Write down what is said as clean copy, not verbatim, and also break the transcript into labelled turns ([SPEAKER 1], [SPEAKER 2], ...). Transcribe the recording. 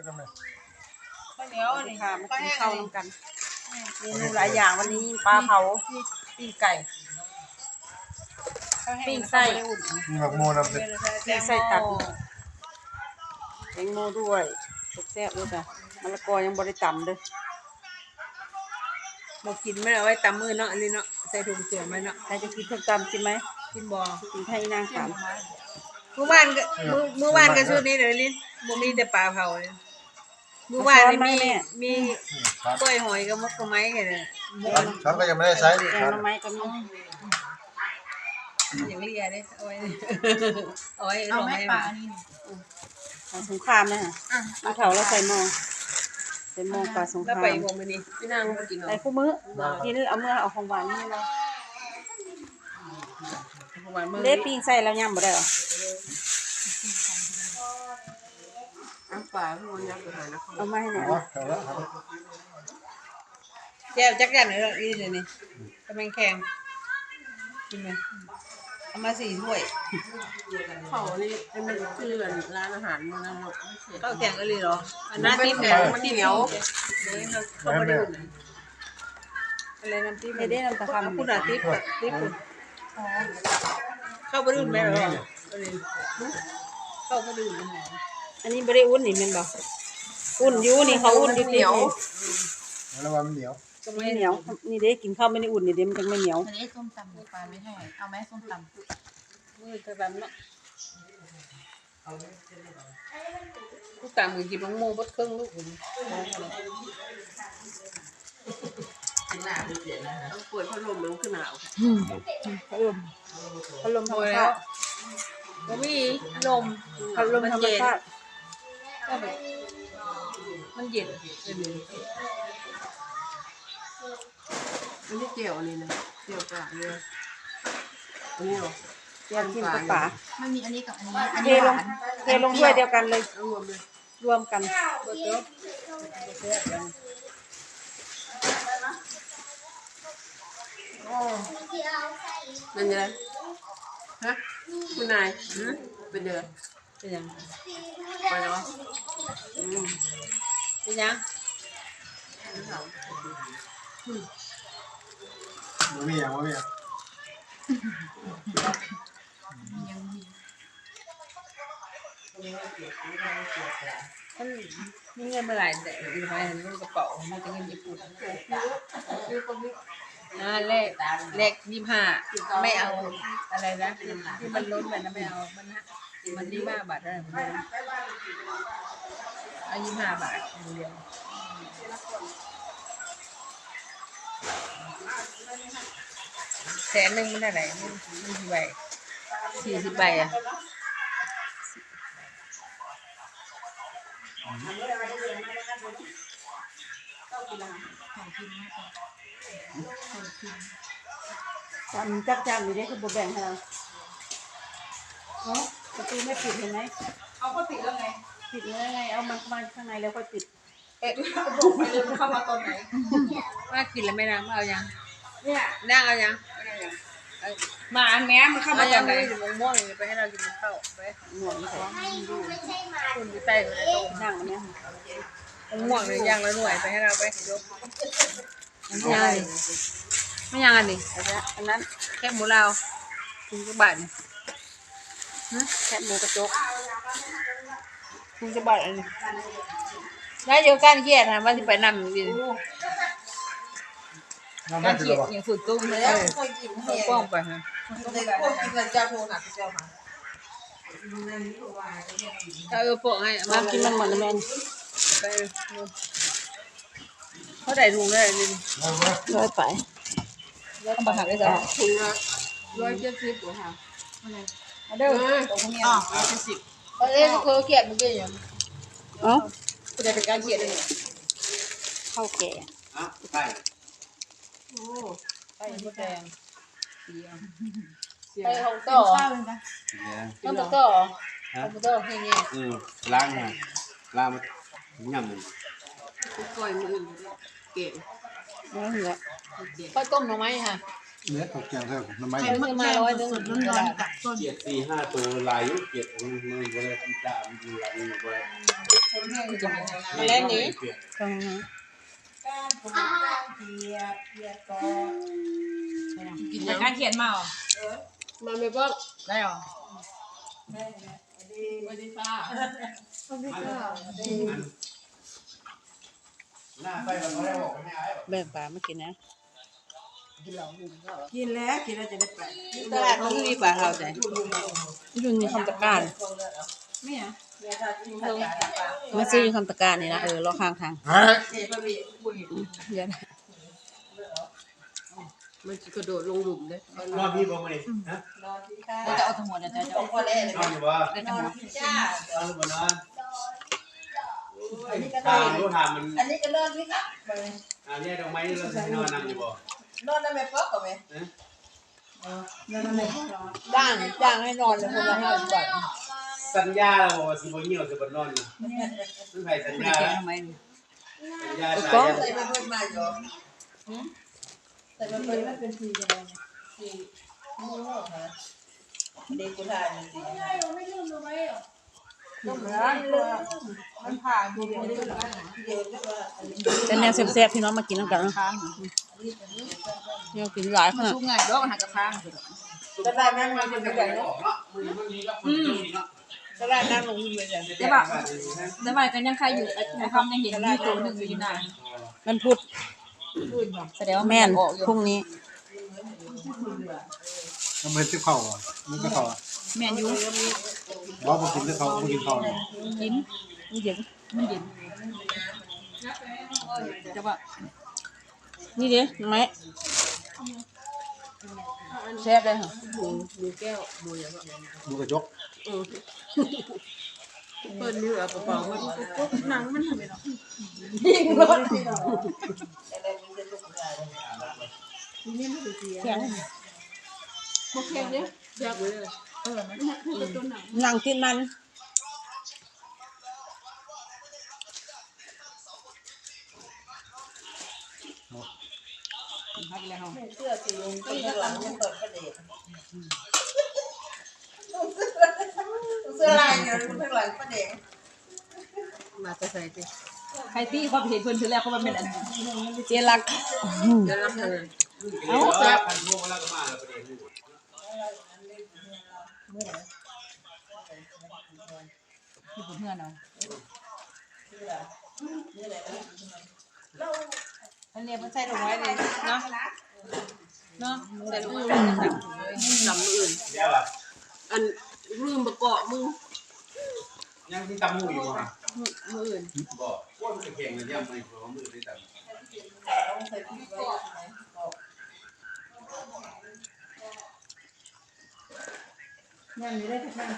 [SPEAKER 1] ข้าวเหนียวนี่ค่ะมากินข้าวนำกันเมนูหลาย
[SPEAKER 2] อ
[SPEAKER 1] อย่างวันนี้ปลาเผาปิ้งไก่ปิ้งไส้
[SPEAKER 2] มีหมักโมนำเป็น
[SPEAKER 1] ปิ้งไส้ตัดแตงโมด้วยแซ่บด้วยจ้ะมะละกอยังบริตำด้วยบอกกินไม่เอาไว้ตำมือเนาะอันนี้เนาะใส่ถุงเสือไหมเนาะใครจะกินส้มตำกินไหมกินบ่กินให้นางถามเมื่อวานก็เมื่อวานก็ชุดนี้เลยลิ้นบ่มีแต่ปลาเผาเลยเมื่อวานมีกล้วยหอยกับมกกะไม้กันเนี่ย
[SPEAKER 2] ช้อนก็ยังไม่ได้ใช้
[SPEAKER 1] แกง
[SPEAKER 2] ช้อน
[SPEAKER 1] หน่อไม้ก็มีอย่างเลียเด้เอาไว้เอาไว้เอาไม้ปลานี่สงครามนะฮะมาเผาแล้วใส่หม้อปลาสงครามแล้วไปวงมื้อนี้พี่นางมากินได้คู่มื้อกินเอาเมื่อเอาของหวานนี่เนาะของหวานมื้อเล็บปิ้งใส่แล้วย่ำบ่ได้หรอปลาพี่มันยักษ์หานะเอามาให้หน่อยแจ่วจักจั่นเลยอีเดี๋ยวนี้กำลังแข็งกินไหมเอามา4 ถ้วยเขานี่มันคือร้านอาหารมันนะข้าวแกงอะไรหรออันนั้นติ๊บแดงมันเหนียวเขาไม่ได้อะไรน้ำติ๊บไม่ได้น้ำตะคำคุณอะติ๊บคุณเข้าไปดูไหมหรอเข้าไปดูอันนี้ไม่ได้อุ่นนี่มันบอกอุ่นอยู่นี่เขาอุ่นอยู่เหนียว
[SPEAKER 2] แล้วว่ามันเหนียว
[SPEAKER 1] ไม่เหนียวนี่เด้กินข้าวไม่ได้อุ่นนี่เด้มันจังไม่เหนียว
[SPEAKER 3] อันนี้ส้มตำปลาไม่ให้เอาไหมส้มตำ
[SPEAKER 1] มือจะแบบเนาะลูกตามมือกินน้องโม่บดเครื่องลูกผมต้องเปิดพัดลมมันขึ้นหนาวพัดลมธรรมชาติก็มีลมพัดลมธรรมชาติมันเย็นอันนี้เจียวนี่นะเจียวปลาเลยอันนี้หรอเจียวกินกับปลา
[SPEAKER 3] มันมีอันนี้กับอันนี้
[SPEAKER 1] เทลงถ้วยเดียวกันเลยรวมกันเป็นยังไงฮะคุณนายเป็นยังเป็นยังไปเนาะเป็นยัง
[SPEAKER 2] มันมีอย่าง
[SPEAKER 1] มันมีเงินเมื่อไหร่แต่อยู่ภายในกระเป๋ามันจะเงินญี่ปุ่นเลข25ไม่เอาอะไรนะที่มันล้นไปนะไม่เอามัน25 บาทได้เอา25 บาทเดียว100,000มันได้ไหนมันกี่ใบ40 ใบอ่ะจับอยู่ได้คือบแบ่งให้เราประตูไม่ปิดเห็นไหมเอาก็ปิดแล้วไงปิดแล้วไงเอามันมาข้างในแล้วค่อยปิดบอกไปเลยมันเข้ามาตอนไหนว่ากินแล้วไม่นางเอายังเนี่ยนั่งเอายังมาอันแม้มันเข้ามาตอนไหนม่วงไปให้เรากินข้าวไปม่วงของคุณอยู่ใต้คนโตนั่งอันนี้ม่วงเลยย่างแล้วหน่วยไปให้เราไปยกไม่ยังอันนี้อันนั้นแค่หมูเราคุณจะบาดแค่หมูกระจกคุณจะบาดอันนี้ได้เยอะการเกียรตินะว่าจะไปนำดิการเกียรติอย่างฝึกตุ้มเลยเขาป้องไปฮะพวกกินเงินเจ้าโทรหนักเจ้ามาเอาโปะให้มากินมันหมดเลยแม่ไปเขาได้ถุงได้ดิร้อยไปแล้วก็มาหักได้จ้ะถุงละ170ค่ะเด้อตรงนี้170เขาเกียรติมันเป็นอย่างคุณจะเป็นการเกียรติเลยข้าวแก่ไปโอ้ไปมดแดงไปของต่อต้องต่อของต่อให้เงี้ย
[SPEAKER 4] ล้างมาย่ำมัน
[SPEAKER 1] ก่อยมือเก่งไม่เหรอข้าวต้มหน่อไม้ค่ะ
[SPEAKER 2] เนื้อตกแกงเท่าน้ำไม้
[SPEAKER 3] ไข่มดแดงสดๆร้อนๆกับต้น
[SPEAKER 4] เกียด4-5ตัวลายยุเกียดมันบ่ได้ทำตามอยู่หลังนี่บ่ได้
[SPEAKER 1] มาเล่นนี้
[SPEAKER 3] ตรงนี้
[SPEAKER 1] กิน
[SPEAKER 3] แต่
[SPEAKER 1] ยัง
[SPEAKER 3] การเขียนมาเหรอ
[SPEAKER 1] มาไม่บอก
[SPEAKER 3] ได้เหรอ
[SPEAKER 4] หน้าไปมันบ่ได้บอกให้อาย
[SPEAKER 1] แบ่งปลาไม่กินนะ
[SPEAKER 5] กินแล้วจะได้ไป
[SPEAKER 1] ตลาดมันมีปลาเขาใจอยู่ในคำตะการ
[SPEAKER 3] ไม่เหรอ
[SPEAKER 1] มาซื้ออยู่คำตะการนี่นะรอข้างทาง
[SPEAKER 2] เฮ้ย
[SPEAKER 1] เดี๋ยวนะมันกระโดดลงหลุมเลย
[SPEAKER 4] นอนพี่บ่มื้อนี้ฮะ
[SPEAKER 3] เราจะเอาทั้งหมดเดี๋ยวจะเอา
[SPEAKER 4] นอนอยู่บ่
[SPEAKER 3] ได้ทั้งหมด
[SPEAKER 4] นอนหรือบ่นอนถามรู้ถามมัน
[SPEAKER 5] อันนี้ก็นอนพี่ครับ
[SPEAKER 4] แยกดอกไม้นี่เราสินอนนำอยู่บ่
[SPEAKER 5] นอนได้ไหมป๊อกกับไหม
[SPEAKER 1] จ้างให้นอนเลยคนละ50 บาท
[SPEAKER 4] สัญญาเราบอกว่าสิบ่เหี่ยวสิบ่นอนนี่มันไผสัญ
[SPEAKER 3] คุณ
[SPEAKER 4] ญา
[SPEAKER 3] จะ
[SPEAKER 4] แล้ว
[SPEAKER 3] ทำไม
[SPEAKER 4] สัญญา
[SPEAKER 1] ก็
[SPEAKER 4] สาย
[SPEAKER 5] ใส่มาเพิ่มมาอยู่ใส่มาเพิ่มมาเป็น4กันเลย4เด็กกูทานจริงมันผ่านดูเดียว
[SPEAKER 1] เป็นแนวแซ่บๆพี่น้องมากินน้ำกันนะ
[SPEAKER 3] ค้าง
[SPEAKER 1] เนี่ยกินหลายขนาด
[SPEAKER 3] ทุกไงดอกหักกระค้าง
[SPEAKER 5] ตลาดนั้นมันเป็นแบบนี้
[SPEAKER 1] ตลาดนั่งลงเลยจ้ะ
[SPEAKER 3] ได้ป่ะได้ป่ะกันยังใครอยู่ไอ้คำยังเห็นมีตัวหนึ่งอยู่หน้า
[SPEAKER 1] มันพุธ
[SPEAKER 3] แสดงว่า
[SPEAKER 1] แม่น
[SPEAKER 3] ออกอยู่
[SPEAKER 1] พรุ่งนี้
[SPEAKER 2] น้ำมันที่เข่าอ่ะมันก็เข่าอ่ะ
[SPEAKER 3] แม่นอยู่
[SPEAKER 2] บอกมากินที่เขามากินเขาเนี่ย
[SPEAKER 3] กิน
[SPEAKER 1] นี่เดี๋ยว
[SPEAKER 3] มันเย็นจะว่า
[SPEAKER 1] นี่เดี๋ยวไหมแซ่บเลยค่ะ
[SPEAKER 5] ดูแก้วดูอย่างว่า
[SPEAKER 2] ดูกระจก
[SPEAKER 1] เปิ้ลนี่แบบเปล่าๆมันก็หนังมันทำไมเนาะ
[SPEAKER 5] ยิงรถอะไรมันจะลุกได้
[SPEAKER 1] แข็ง
[SPEAKER 3] โอเคเนี่ย
[SPEAKER 1] แซ่บเลย
[SPEAKER 3] มัน
[SPEAKER 1] หนังกินมัน
[SPEAKER 3] พักแล้ว
[SPEAKER 5] เสื้อสีลุงข้างหลังยังเปิดประเด็นเสื้อลายเดี๋ยวข้างหลังประเด็น
[SPEAKER 1] มาจะใส่สิ
[SPEAKER 3] ใครที่เขาเห็นเพื่อนทีแรกเขาเป็นอัน
[SPEAKER 1] เจรัก
[SPEAKER 5] เดี๋ยวรับเงิน
[SPEAKER 4] เอาแซ่บพันพวกแล้วก็มาแล้วประเด็น
[SPEAKER 3] ที่ผมเพื่อนเนาะ
[SPEAKER 1] อันนี้มันใส่ลงไว้เลยเนาะเนาะใส่ลงไว้ลำอื่น
[SPEAKER 4] เดี๋ยวล่ะ
[SPEAKER 1] อันลืมประกอบมึง
[SPEAKER 4] ยังที่ตำหูอยู่บ่
[SPEAKER 1] มืออื่น
[SPEAKER 4] บ่ว่ามันจะเก่งเลยย่ำไม่พอมือได้ตำ
[SPEAKER 5] นั่นนี่ได้ทั้ง